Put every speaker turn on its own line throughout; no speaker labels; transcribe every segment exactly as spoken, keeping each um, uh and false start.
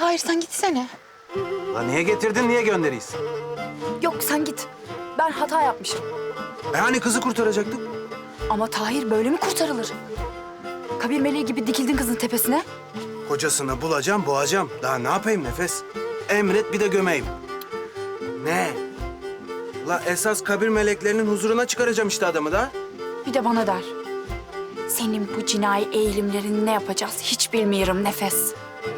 Tahir sen gitsene.
Lan niye getirdin, niye gönderiyiz?
Yok sen git. Ben hata yapmışım.
E hani kızı kurtaracaktık?
Ama Tahir böyle mi kurtarılır? Kabir meleği gibi dikildin kızın tepesine.
Kocasını bulacağım, boğacağım. Daha ne yapayım Nefes? Emret bir de gömeyim. Ne? La esas kabir meleklerinin huzuruna çıkaracağım işte adamı da.
Bir de bana der. Senin bu cinayi eğilimlerini ne yapacağız hiç bilmiyorum Nefes.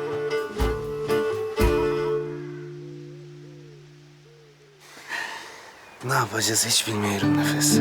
Ne yapacağız hiç bilmiyorum Nefes.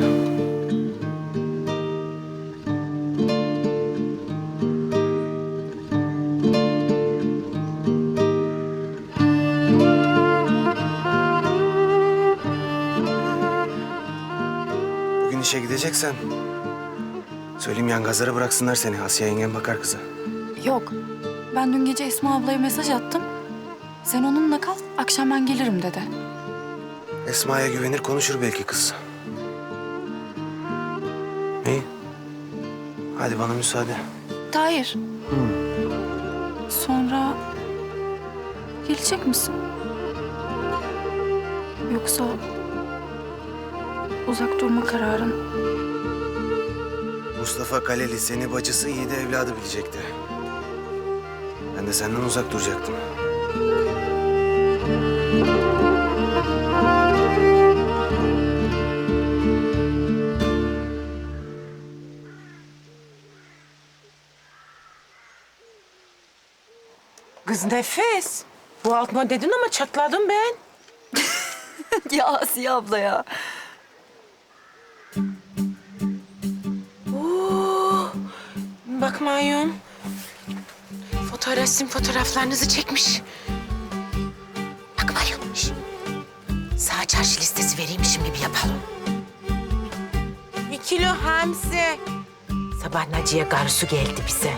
Bugün işe gideceksen söyleyeyim yangazlara bıraksınlar seni. Asiye yengen bakar kıza.
Yok. Ben dün gece Esma ablaya mesaj attım. Sen onunla kal, akşam ben gelirim dedi.
Esma'ya güvenir konuşur belki kız. İyi. Hadi bana müsaade.
Tahir. Sonra gelecek misin? Yoksa uzak durma kararın.
Mustafa Kaleli seni bacısı iyi de evladı bilecekti. Ben de senden uzak duracaktım.
Kız Nefes. Bu altma dedin ama çatladım ben.
Ya Asiye abla ya.
Oo, bakmayın. Fotoğrafım fotoğraflarınızı çekmiş. Bakmayın. Şişt. Sağ çarşı listesi vereymişim gibi yapalım. Bir kilo hamsi. Sabah Naciye karısı geldi bize.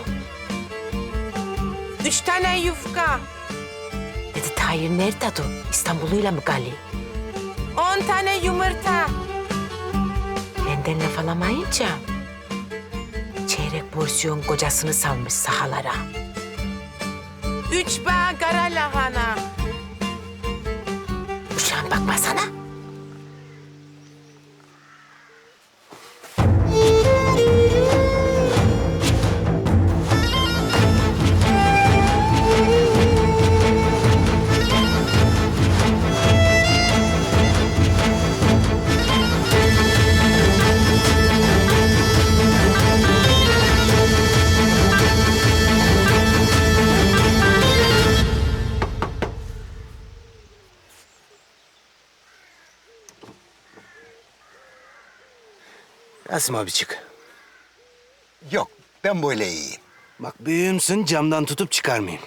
Üç tane yufka. Dedi Tahir nerede o? İstanbul'uyla mı Gali? On tane yumurta. Benden laf alamayınca çeyrek porsiyon kocasını salmış sahalara. Üç bağ kara lahana. Uşağım bakmasana.
Rasim abi çık.
Yok, ben böyle iyiyim.
Bak büyüğümsün camdan tutup çıkarmayayım.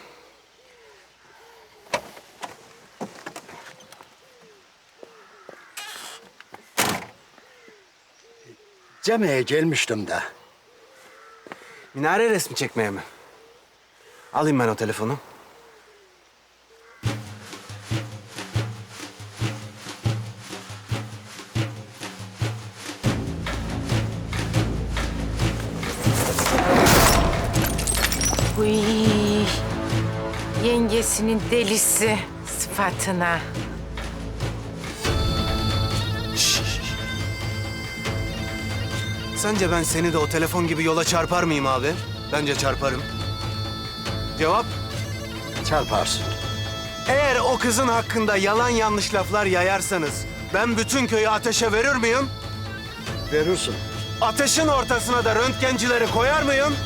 Camiye gelmiştim de.
Minare resmi çekmeye mi? Alayım ben o telefonu.
Uy, yengesinin delisi sıfatına.
Sence ben seni de o telefon gibi yola çarpar mıyım abi? Bence çarparım. Cevap?
Çarparsın.
Eğer o kızın hakkında yalan yanlış laflar yayarsanız ben bütün köyü ateşe verir miyim?
Verirsin.
Ateşin ortasına da röntgencileri koyar mıyım?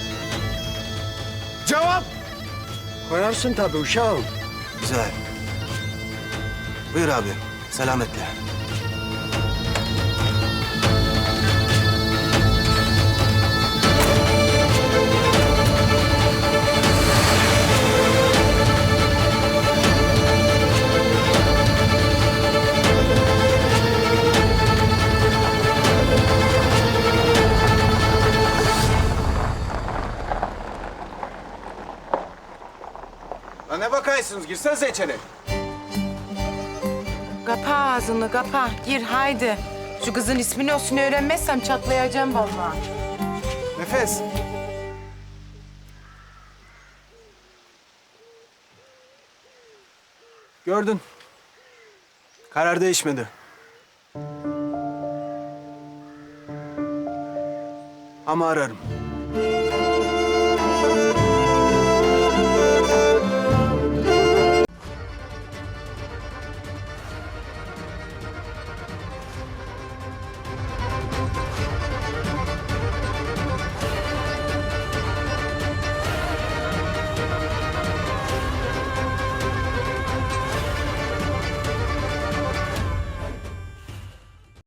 Cevap?
Koyarsın tabii uşağım.
Güzel. Buyur abi, selametle. Lan ne bakaysınız? Girsenize içeri.
Kapa ağzını kapa. Gir haydi. Şu kızın ismini olsun öğrenmezsem çatlayacağım vallahi.
Nefes. Gördün. Karar değişmedi. Ama ararım.